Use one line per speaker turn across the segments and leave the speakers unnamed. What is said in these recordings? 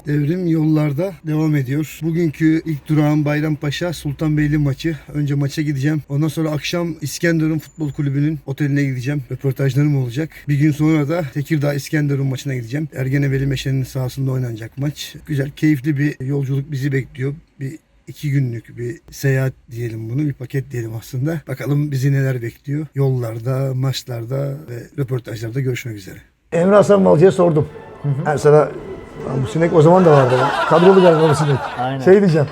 Devrim yollarda devam ediyor. Bugünkü ilk durağım Bayrampaşa Sultanbeyli maçı. Önce maça gideceğim. Ondan sonra akşam İskenderun Futbol Kulübü'nün oteline gideceğim. Röportajlarım olacak. Bir gün sonra da Tekirdağ İskenderun maçına gideceğim. Ergeneveli Meşe'nin sahasında oynanacak maç. Güzel, keyifli bir yolculuk bizi bekliyor. Bir 2 günlük bir seyahat diyelim bunu. Bir paket diyelim aslında. Bakalım bizi neler bekliyor. Yollarda, maçlarda ve röportajlarda görüşmek üzere. Emre Hasan Balcı'ya sordum. Yani sana bu sinek o zaman da vardı. Kadrolu galiba bu sinek.
Aynen.
Şey diyeceğim.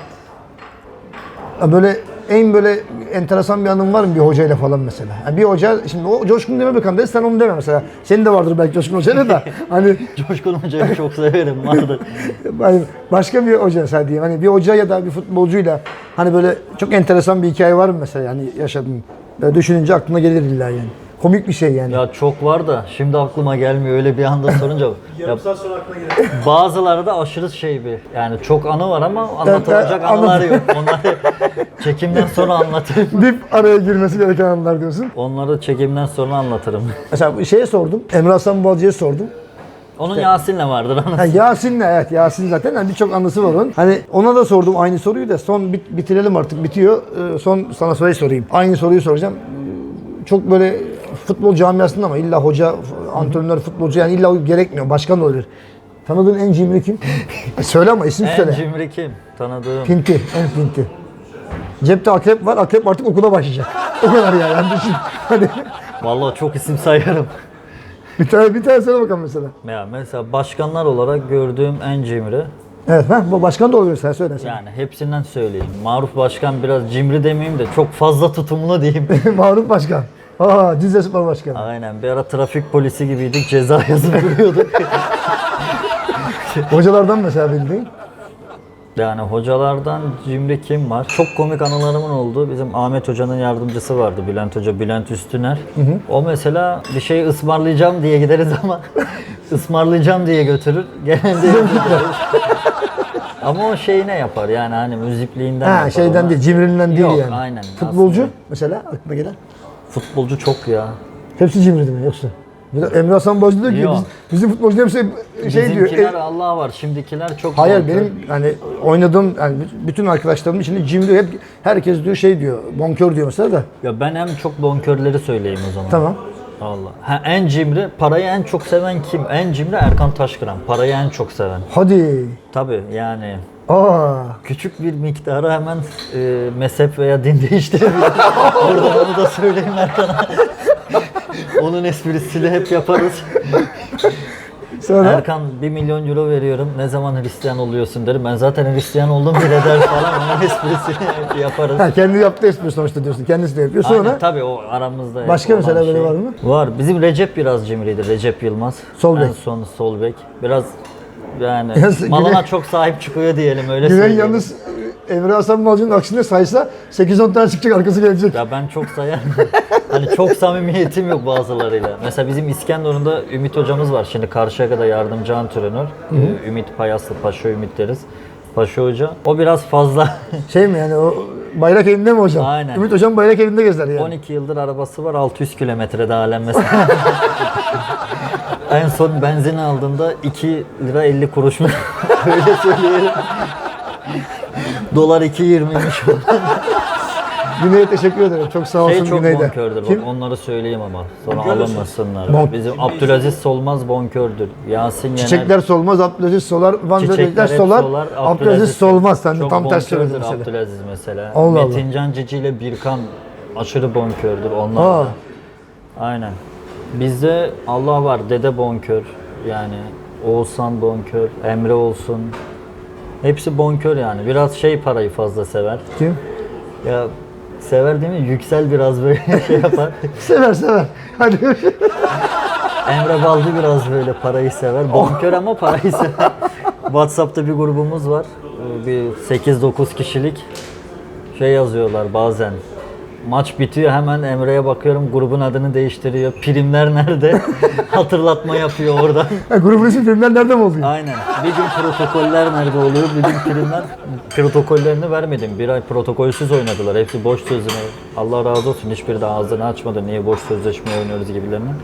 Böyle böyle enteresan bir anın var mı bir hocayla falan mesela? Yani bir hoca, şimdi o Coşkun deme bakalım dedi, sen onu deme mesela. Senin de vardır belki Coşkun Hoca'yla da. Hani
Coşkun Hoca'yı çok severim, vardır.
hani başka bir hoca mesela diyeyim. Hani bir hoca ya da bir futbolcuyla hani böyle çok enteresan bir hikaye var mı mesela, yani yaşadın? Böyle düşününce aklına gelir illa yani. Komik bir şey yani.
Ya çok var da şimdi aklıma gelmiyor öyle bir anda sorunca.
Yarım saat sonra aklına gelir.
Bazıları da aşırı şey bir. Yani çok anı var ama anlatılacak anılar yok. Onları çekimden sonra anlatırım.
Dip araya girmesi gereken anlar diyorsun.
Onları çekimden sonra anlatırım.
Mesela bir şeye sordum. Emre Hasan Balcı'ya sordum.
Onun Yasin'le vardır anısı.
Ha, Yasin'le, evet, Yasin zaten yani birçok anısı var onun. Hani ona da sordum aynı soruyu da son bitirelim artık, bitiyor. Son sana sorayım. Aynı soruyu soracağım. Çok böyle futbol camiasında ama illa hoca, antrenör, futbolcu yani illa gerekmiyor. Başkan da olabilir. Tanıdığın en cimri kim? Söyle ama isim söyle.
En cimri kim? Tanıdığım.
Pinti, en pinti. Cepte akrep var, akrep artık okula başlayacak. O kadar yani düşün. Hadi
Vallahi çok isim sayarım.
bir tane söyle bakalım mesela.
Ya mesela başkanlar olarak gördüğüm en cimri.
Evet, bu başkan da olabilir, sen söyle.
Yani hepsinden söyleyeyim. Maruf Başkan biraz cimri demeyeyim de çok fazla tutumlu diyeyim.
Maruf Başkan. Cizre Spor Başkanı.
Aynen, bir ara trafik polisi gibiydik, ceza yazıp duruyorduk.
Hocalardan mesela bildiğin.
Yani hocalardan cimri kim var? Çok komik anılarımın olduğu bizim Ahmet Hoca'nın yardımcısı vardı, Bülent Hoca, Bülent Üstüner. O mesela bir şey ısmarlayacağım diye gideriz ama ısmarlayacağım diye götürür. Genelde ama o şeyi ne yapar yani, hani müzipliğinden yapar.
Şeyden
ona.
değil, cimriliğinden değil
Yok,
yani.
aynen.
Futbolcu
Aslında.
mesela aklına gelen.
Futbolcu çok ya.
Hepsi cimri değil mi yoksa? Emre Hasan Balcı diyor ki
Yok.
bizim futbolcular hepsi şey diyor.
Bizimkiler Allah var, şimdikiler çok
Hayır,
bonkör.
benim hani oynadığım yani bütün arkadaşlarımın içinde cimri, hep herkes diyor şey diyor, bonkör diyor mesela da.
Ya ben hem çok bonkörleri söyleyeyim o zaman.
Tamam.
Allah. Ha, en cimri, parayı en çok seven kim? En cimri Erkan Taşkıran. Parayı en çok seven.
Hadi.
Tabii yani
Aa.
küçük bir miktarı hemen mezhep veya din değiştirebilir. Buradan onu da söyleyeyim Erkan'a. Onun esprisini hep yaparız.
Sonra
Erkan 1 milyon euro veriyorum, ne zaman Hristiyan oluyorsun derim. Ben zaten Hristiyan oldum bile der falan, onun esprisini hep yaparız.
kendi yaptığı espri sonuçta diyorsun. Kendisi de yapıyor. Sonra
Aynen, tabii o aramızda.
başka
olan
mesela böyle
şey.
var mı?
Var. Bizim Recep biraz cimriydi. Recep Yılmaz.
Sol bek.
En son sol bek. Biraz yani
Güven-
malına çok sahip çıkıyor diyelim, öyle
Güven
söyleyeyim.
yalnız Emre Hasan Balcı'nın aksine saysa 8-10 tane çıkacak, arkası gelecek.
Ya ben çok sayarım. Hani çok samimiyetim yok bazılarıyla. Mesela bizim İskenderun'da Ümit hocamız var. Şimdi Karşıyaka'da yardımcı antrenör. Ümit Payaslı, Paşa Ümit deriz. Paşa Hoca. O biraz fazla.
Şey mi yani, o bayrak elinde mi hocam?
Aynen.
Ümit hocam bayrak elinde gezer yani.
12 yıldır arabası var, 600 kilometrede halen mesela. En son benzin aldığında 2 lira 50 kuruş mu? Öyle söyleyelim. Dolar 2.20'ymiş o.
Güney'e teşekkür ederim. Çok sağ olsun
Çok
Güney'de.
bonkördür. Bak,
Kim?
onları söyleyeyim ama sonra alınmasınlar.
Bonk.
Bizim Abdülaziz Solmaz bonkördür. Yasin Yener.
Çiçekler solmaz, Abdülaziz solar, Van
Çiçekler
Böcekler
hep
solar,
solar,
Abdülaziz solmaz. Sen de
çok
tam ters söyledin
bonkördür
mesela.
Abdülaziz mesela.
Allah Allah.
Metincan Cici ile Birkan aşırı bonkördür onlar. da. Aynen. Bizde Allah var, Dede bonkör. Yani Oğuzhan bonkör, Emre olsun. Hepsi bonkör yani. Biraz şey, parayı fazla sever.
Kim?
Ya sever değil mi? Yüksel biraz böyle şey yapar.
Sever. Hadi.
Emre Balcı biraz böyle parayı sever. Bonkör ama parayı sever. WhatsApp'ta bir grubumuz var. Bir 8-9 kişilik şey yazıyorlar bazen. Maç bitiyor, hemen Emre'ye bakıyorum, grubun adını değiştiriyor. Primler nerede? Hatırlatma yapıyor oradan.
Grubun ismi filmler nerede mi oluyor?
Aynen. Bir gün protokoller nerede oluyor? Bir gün primler, protokollerini vermedim. Bir ay protokolsüz oynadılar. Hepsi boş sözüne. Allah razı olsun. Hiçbiri de ağzını açmadı. Niye boş sözleşme oynuyoruz gibilerine.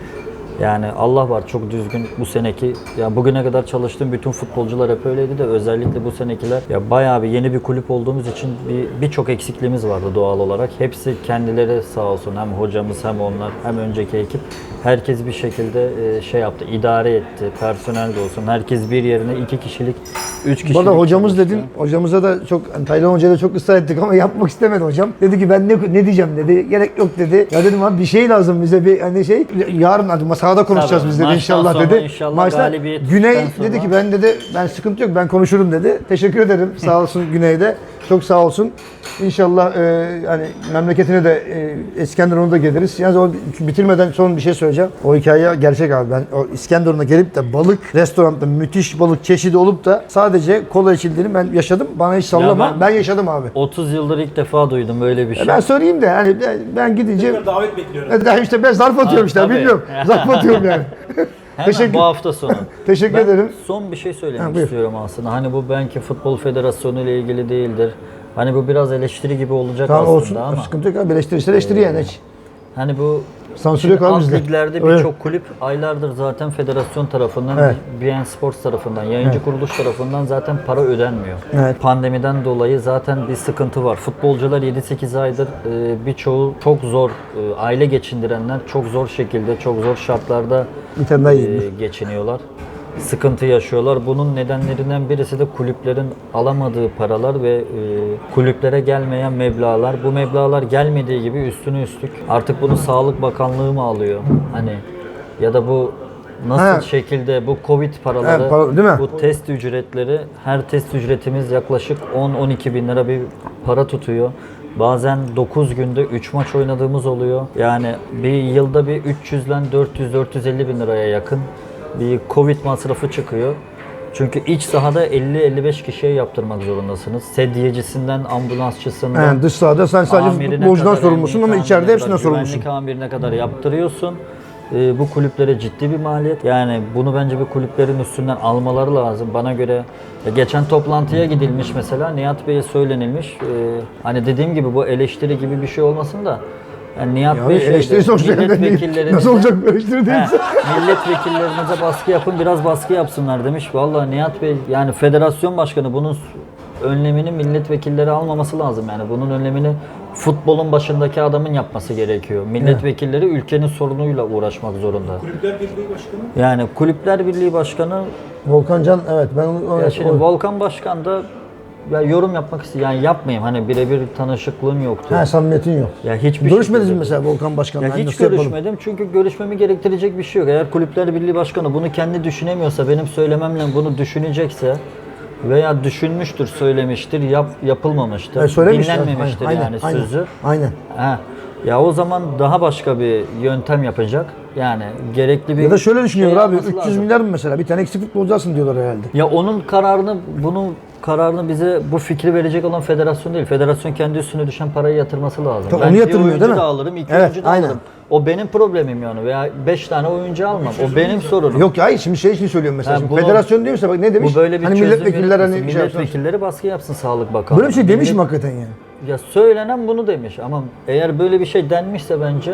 Yani Allah var çok düzgün bu seneki. Ya bugüne kadar çalıştığım bütün futbolcular hep öyleydi de özellikle bu senekiler ya bayağı bir yeni bir kulüp olduğumuz için birçok eksikliğimiz vardı doğal olarak. Hepsi kendileri sağ olsun hem hocamız hem onlar hem önceki ekip herkes bir şekilde şey yaptı, idare etti. Personel de olsun. Herkes bir yerine 2 kişilik, 3 kişilik.
Bu arada hocamız
çalıştı.
dedin. Hocamıza da çok, hani Taylan Hoca'ya da çok ısrar ettik ama yapmak istemedi hocam. Dedi ki ben ne diyeceğim dedi. Gerek yok dedi. Ya dedim abi bir şey lazım bize bir hani şey. Yarın hadi sahada konuşacağız
Tabii,
biz dedi
maçtan
inşallah
sonra
dedi.
inşallah galibiyet
Güney
sonra-
dedi ki ben sıkıntı yok ben konuşurum dedi. Teşekkür ederim sağ olsun Güney'de. Çok sağ olsun. İnşallah hani memleketine de İskenderun'a da geliriz. Yalnız o bitirmeden son bir şey söyleyeceğim. O hikaye gerçek abi. Ben o İskenderun'a gelip de balık restoranda müthiş balık çeşidi olup da sadece kola içildiğini ben yaşadım. Bana hiç sallama.
Ya
Ben yaşadım abi.
30 yıldır ilk defa duydum böyle bir şey.
Ben söyleyeyim de hani ben gidince
Davet bekliyorum.
işte ben zarf atıyorum işte
tabii.
bilmiyorum. Zarf atıyorum yani.
Hemen
Teşekkür-
bu hafta sonu.
Teşekkür
Ben
ederim.
son bir şey söylemek
Ha, buyur.
istiyorum aslında. Hani bu belki Futbol Federasyonu ile ilgili değildir. Hani bu biraz eleştiri gibi olacak
Tamam
aslında
olsun.
ama.
Sıkıntı yok abi. Eleştiri yani hiç.
Hani bu
Sansür
şimdi
yok abi
alt
bizde.
liglerde
Öyle.
birçok kulüp aylardır zaten federasyon tarafından,
Evet.
BN Sports tarafından, yayıncı kuruluş tarafından zaten para ödenmiyor.
Evet.
Pandemiden dolayı zaten bir sıkıntı var. Futbolcular 7-8 aydır birçoğu çok zor, aile geçindirenler çok zor şekilde, çok zor şartlarda
Bir tane daha yiyeyim.
geçiniyorlar. Sıkıntı yaşıyorlar. Bunun nedenlerinden birisi de kulüplerin alamadığı paralar ve kulüplere gelmeyen meblağlar. Bu meblağlar gelmediği gibi üstüne üstlük artık bunu Sağlık Bakanlığı mı alıyor? Hani ya da bu nasıl
Ha.
şekilde bu Covid paraları,
Değil mi?
bu test ücretleri, her test ücretimiz yaklaşık 10-12 bin lira bir para tutuyor. Bazen 9 günde 3 maç oynadığımız oluyor. Yani bir yılda bir 300'den 400-450 bin liraya yakın bir Covid masrafı çıkıyor. Çünkü iç sahada 50-55 kişiye yaptırmak zorundasınız. Sedyecisinden, ambulansçısından,
Yani dış sahada sen sadece
amirine
futbolcudan
kadar,
sorumlusun ama
emniyet
içeride
amirine
hepsinden
kadar,
sorumlusun.
Güvenlik amirine kadar yaptırıyorsun. Bu kulüplere ciddi bir maliyet. Yani bunu bence bir kulüplerin üstünden almaları lazım. Bana göre geçen toplantıya gidilmiş mesela Nihat Bey'e söylenilmiş. Hani dediğim gibi bu eleştiri gibi bir şey olmasın da yani Nihat
Ya
Bey
eleştiri sonuçta
milletvekillerinize
nasıl olacak bu eleştiri değil.
milletvekillerinize baskı yapın, biraz baskı yapsınlar demiş. Vallahi Nihat Bey yani federasyon başkanı bunun önlemini milletvekilleri almaması lazım yani. Bunun önlemini futbolun başındaki adamın yapması gerekiyor. Milletvekilleri ülkenin sorunuyla uğraşmak zorunda.
Kulüpler Birliği Başkanı.
Yani Kulüpler Birliği Başkanı
Volkan Can evet ben onu
ya şimdi Volkan Başkan da ya yorum yapmak istiyor. Yani yapmayayım. Hani birebir tanışıklığım yoktu.
samimiyetin yok.
Ya hiçbir
Görüşmediniz mi
şekilde-
mesela Volkan Başkan'la?
Ya
Hani
hiç
nasıl yapalım?
görüşmedim çünkü görüşmemi gerektirecek bir şey yok. Eğer Kulüpler Birliği Başkanı bunu kendi düşünemiyorsa, benim söylememle bunu düşünecekse veya düşünmüştür, söylemiştir, yapılmamıştır,
Söylemişler.
dinlenmemiştir yani sözü.
Aynen.
Ha. Ya o zaman daha başka bir yöntem yapacak. Yani gerekli bir
Ya da şöyle düşünüyorlar
şey
abi
yapması
300
lazım.
milyar mı mesela bir tane eksik futbolcu alsın diyorlar herhalde.
Ya onun kararını, bunun kararını bize bu fikri verecek olan federasyon değil. Federasyon kendi üstüne düşen parayı yatırması lazım.
Tabii
Ben
onu
bir
yatırmıyor,
oyuncu
değil mi?
da alırım, iki
Evet,
oyuncu da
aynen.
alırım. O benim problemim yani veya 5 tane oyuncu almam. O benim sorunum.
Yok ya hayır şimdi şey için söylüyorum mesela.
Ha,
Şimdi
bunu-
federasyon değil mi? Bak ne demiş?
Bu böyle bir
hani
çözüm
milletvekiller hani
üretmesin.
şey yapsın.
Milletvekilleri baskı yapsın Sağlık Bakanlığı.
Böyle bir şey demiş mi
Millet-
hakikaten yani?
Ya söylenen bunu demiş ama eğer böyle bir şey denmişse bence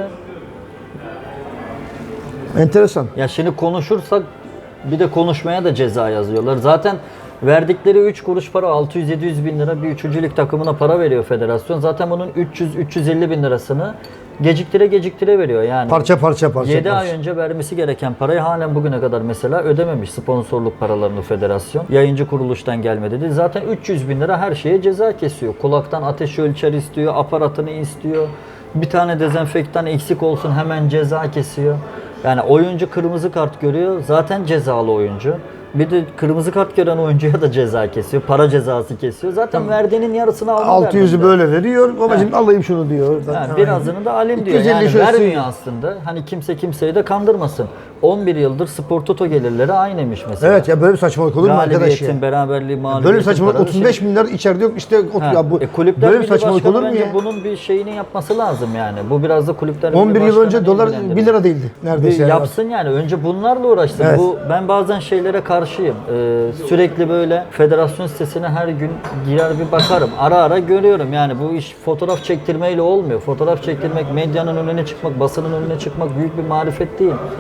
Enteresan.
ya şimdi konuşursak bir de konuşmaya da ceza yazıyorlar. Zaten verdikleri 3 kuruş para 600-700 bin lira bir üçüncülük takımına para veriyor federasyon. Zaten bunun 300-350 bin lirasını geciktire veriyor yani.
Parça parça
7 ay önce vermesi gereken parayı halen bugüne kadar mesela ödememiş sponsorluk paralarını federasyon. Yayıncı kuruluştan gelmedi dedi. Zaten 300 bin lira her şeye ceza kesiyor. Kulaktan ateş ölçer istiyor, aparatını istiyor. Bir tane dezenfektan eksik olsun hemen ceza kesiyor. Yani oyuncu kırmızı kart görüyor zaten cezalı oyuncu. Bir de kırmızı kart gören oyuncuya da ceza kesiyor. Para cezası kesiyor. Zaten verdiğinin yarısını alma
600'ü
derdinde.
böyle veriyor. Babacım alayım şunu diyor.
Ha, birazını da alayım diyor.
250
Yani
şurası
vermiyor
yiyor.
aslında. Hani kimse kimseyi de kandırmasın. 11 yıldır Spor Toto gelirleri aynıymış mesela.
Evet ya böyle bir saçmalık olur mu arkadaş ya?
Galibiyetin, beraberliği, mağlubiyetin
Böyle bir saçmalık
paraları
35 milyar içeride yok işte
Ha,
ya bu
Kulüpler
böyle bir
Birliği
saçmalık
Başkanı
olur mu
bence
ya?
bunun bir şeyini yapması lazım yani. Bu biraz da Kulüpler Birliği
11 yıl önce
Başkanı'nı
dolar
ilgilendiriyor.
1 lira değildi neredeyse. yani.
Yapsın yani. Önce bunlarla uğraşsın.
Evet.
Ben bazen şeylere karşıyım. Sürekli böyle federasyon sitesine her gün girer bir bakarım. Ara ara görüyorum. Yani bu iş fotoğraf çektirmeyle olmuyor. Fotoğraf çektirmek, medyanın önüne çıkmak, basının önüne çıkmak büyük bir marifet değil.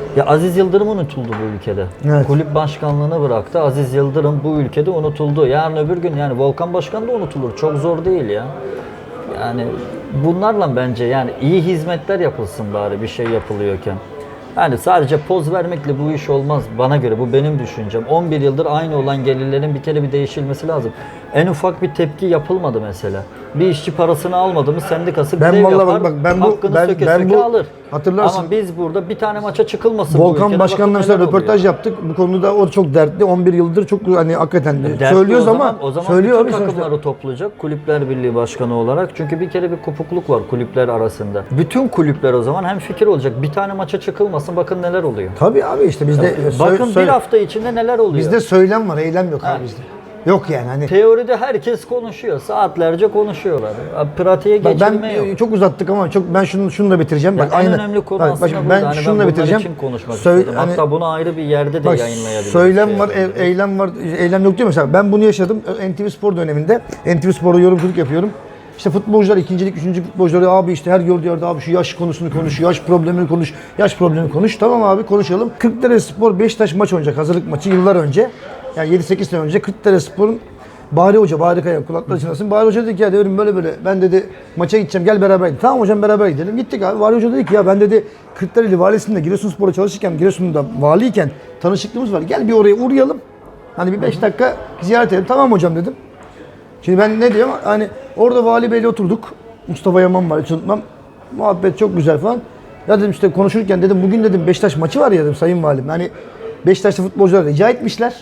Ya Aziz Yıldırım unutuldu bu ülkede.
Evet.
Kulüp başkanlığını bıraktı. Aziz Yıldırım bu ülkede unutuldu. Yarın öbür gün yani Volkan Başkan da unutulur. Çok zor değil ya. Yani bunlarla bence yani iyi hizmetler yapılsın bari bir şey yapılıyorken. Yani sadece poz vermekle bu iş olmaz bana göre. Bu benim düşüncem. 11 yıldır aynı olan gelirlerin bir kere bir değişilmesi lazım. En ufak bir tepki yapılmadı mesela. Bir işçi parasını almadı mı sendikası
Ben
grev
vallahi
yapar,
bak, ben bu-
hakkını
ben-
söke
ben
söke
bu-
alır.
hatırlarsın.
Ama biz burada bir tane maça çıkılmasın bu
Volkan
ülkede.
Başkan'la
Bakın
mesela
neler oluyor.
röportaj yaptık. Bu konuda o çok dertli. 11 yıldır çok hani hakikaten
Dertli
söylüyoruz
o zaman,
ama
o zaman
söylüyor
bütün
abi sonuçta.
takımları toplayacak Kulüpler Birliği Başkanı olarak. Çünkü bir kere bir kopukluk var kulüpler arasında. Bütün kulüpler o zaman hemfikir olacak. Bir tane maça çıkılmasın bakın neler oluyor.
Tabii abi işte bizde
Bakın bir hafta içinde neler oluyor.
bizde söylem var, eylem yok abi bizde. Yok yani hani.
Teoride herkes konuşuyor. Saatlerce konuşuyorlar. Pratiğe
Bak
geçirme
ben
yok.
çok uzattık ama çok ben şunu da bitireceğim.
Ya
Bak
en
aynı.
önemli konu
bak,
aslında
ben
burada. Hani
şunu da
bunlar
bitireceğim.
için konuşmak
Söyle-
istedim.
hani-
Hatta bunu ayrı bir yerde de
Bak,
yayınlayabiliriz.
söylem
şey
var,
yapabiliriz.
eylem var. Eylem yok diyor mesela. Ben bunu yaşadım. NTV Spor döneminde. NTV Spor'da yorumculuk yapıyorum. İşte futbolcular, ikincilik, üçüncü futbolcuları abi işte her gördüğü yerde abi şu yaş konusunu konuş, yaş problemini konuş, yaş problemini konuş. Tamam abi konuşalım. Kırklarelispor Beşiktaş maç oynayacak hazırlık maçı yıllar önce. Yani 7-8 sene önce Kırklarelispor'un Bahri Hoca, Bahri Kaya kulakları çınlasın. Bahri Hoca dedi ki ya dedim böyle ben dedi maça gideceğim gel beraber gidelim. Tamam hocam beraber gidelim. Gittik abi. Bahri Hoca dedi ki ya ben dedi Kırklareli valisinde Giresunspor'da çalışırken Giresun'da valiyken tanışıklığımız var. Gel bir oraya uğrayalım. Hani bir 5 dakika ziyaret edelim. Tamam hocam dedim. Şimdi ben ne diyorum? Hani orada Vali Bey'le oturduk. Mustafa Yaman var hiç unutmam. Muhabbet çok güzel falan. Ya dedim işte konuşurken dedim bugün dedim Beşiktaş maçı var ya dedim sayın valim. Hani Beşiktaş'ta futbolcular rica etmişler.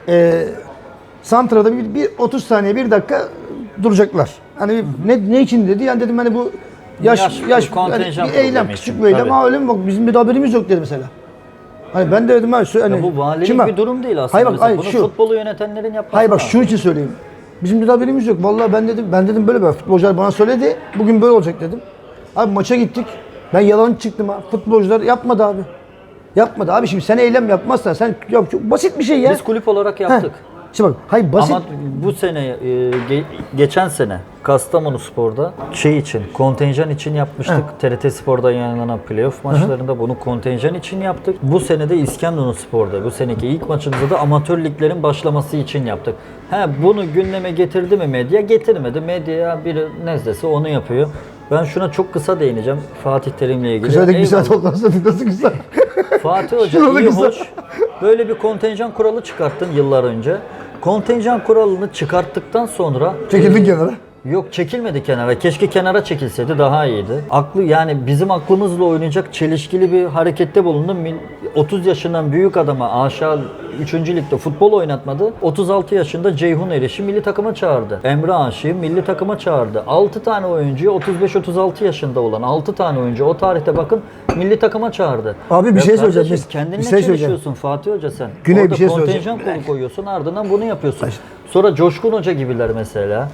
Santra'da bir 30 saniye 1 dakika duracaklar. Hani ne için dedi? Yani dedim hani bu yaş hani
kontenjan
bir eylem
problemi
küçük
için,
bir eylem.
tabii.
Ha öyle mi? Bak bizim bir haberimiz yok dedi mesela. Hani ben de dedim hani
Ya bu valilik
şimdi bak-
bir durum değil aslında.
Hayır bak,
Mesela
hayır,
bunu
şu.
futbolu yönetenlerin yapması
Hayır bak
lazım.
şunun için söyleyeyim. Bizim de haberimiz yok. Vallahi ben dedim böyle futbolcular bana söyledi. Bugün böyle olacak dedim. Abi maça gittik. Ben yalan çıktım ha. Futbolcular yapmadı abi. Yapmadı abi şimdi sen eylem yapmazsan sen ya çok basit bir şey ya.
Biz kulüp olarak
Heh.
yaptık.
Şimdi bak hayır basit.
Ama bu sene, geçen sene Kastamonu Spor'da için, kontenjan için yapmıştık. TRT Spor'da yayınlanan playoff maçlarında bunu kontenjan için yaptık. Bu sene de İskenderun Spor'da, bu seneki ilk maçımızda da amatör liglerin başlaması için yaptık. Bunu gündeme getirdi mi medya? Getirmedi. Medya biri nezdesi onu yapıyor. Ben şuna çok kısa değineceğim Fatih Terim'le ilgili.
Kısa dedik bir saat
Eyvallah.
oldu aslında nasıl kısa?
Fatih Hoca
Şuralı
iyi
kısa.
hoş. Böyle bir kontenjan kuralı çıkarttın yıllar önce. Kontenjan kuralını çıkarttıktan sonra
Çekildik kenara.
yok çekilmedi kenara. Keşke kenara çekilseydi daha iyiydi. Yani bizim aklımızla oynayacak çelişkili bir harekette bulundu. 30 yaşından büyük adama aşağı 3. ligde futbol oynatmadı. 36 yaşında Ceyhun Eriş'i milli takıma çağırdı. Emre Aşık'ı milli takıma çağırdı. 6 tane oyuncuyu 35-36 yaşında olan 6 tane oyuncu o tarihte bakın milli takıma çağırdı.
Abi bir şey söyleyeceğim.
kardeşim,
Biz-
kendinle
bir şey söyleyeceğim.
çelişiyorsun Fatih Hoca sen.
Güney,
Orada
bir şey
kontenjan
söyleyeceğim.
kolu koyuyorsun ardından bunu yapıyorsun. Sonra Coşkun Hoca gibiler mesela.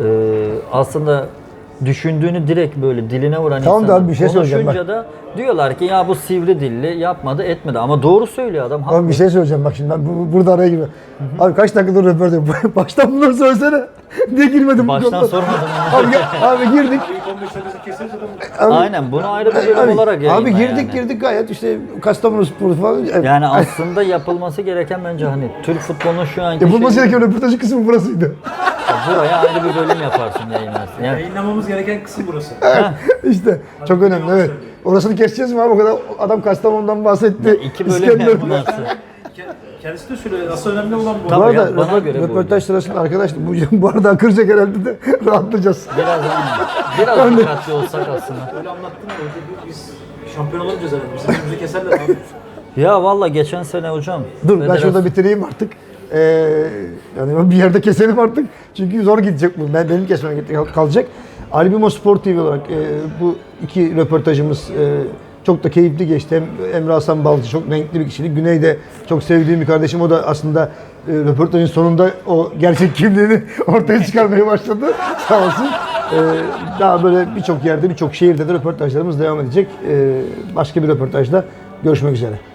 Aslında düşündüğünü direkt böyle diline vuran
Tamam da
insanlar
abi bir şey söyleyeceğim
konuşunca da diyorlar ki ya bu sivri dilli yapmadı etmedi ama doğru söylüyor adam.
Abi bir şey söyleyeceğim bak şimdi ben burada araya girme. Abi kaç dakikadır röportaj baştan bunları söylesene. Niye girmedim bu
Baştan
konuda?
sormadım.
Abi girdik.
İlk 15 dakikası keseriz adamı.
Aynen bunu ayrı bir bölüm olarak
Abi
yayınla
girdik
yani.
girdik gayet işte Kastamonu Spor falan.
Yani aslında yapılması gereken bence hani Türk futbolunun şu anki
Yapılması
şeyi-
gereken röportajın kısmı burasıydı.
buraya ayrı bir bölüm yaparsın yayınlarsın. Yani
Yayınlamamız gereken kısım burası.
İşte çok önemli evet. Orasını keseceğiz mi abi o kadar adam Kastamonu'dan bahsetti.
2 bölüm
İskenderun'dan.
yapmazsın.
Kendisi de söylüyor. Asıl önemli olan bu.
Bu
Tabii
arada
ya, bana göre bu.
röportaj sırasında arkadaş bu arada akıracak herhalde de rahatlayacağız.
Biraz dikkatli olsak aslında.
Öyle anlattın ya. Biz şampiyon olamayacağız herhalde. Bizim önümüzü keserler abi.
Ya valla geçen sene hocam.
Dur ben
federasyon-
şurada bitireyim artık. Yani bir yerde keselim artık. Çünkü zor gidecek bu. Benim kesmem kalacak. Albimo Spor TV olarak bu iki röportajımız çok da keyifli geçti. Hem Emre Hasan Balcı çok renkli bir kişilik. Güney de çok sevdiğim bir kardeşim. O da aslında röportajın sonunda o gerçek kimliğini ortaya çıkarmaya başladı. Sağ olsun. Daha böyle birçok yerde, birçok şehirde de röportajlarımız devam edecek. Başka bir röportajda görüşmek üzere.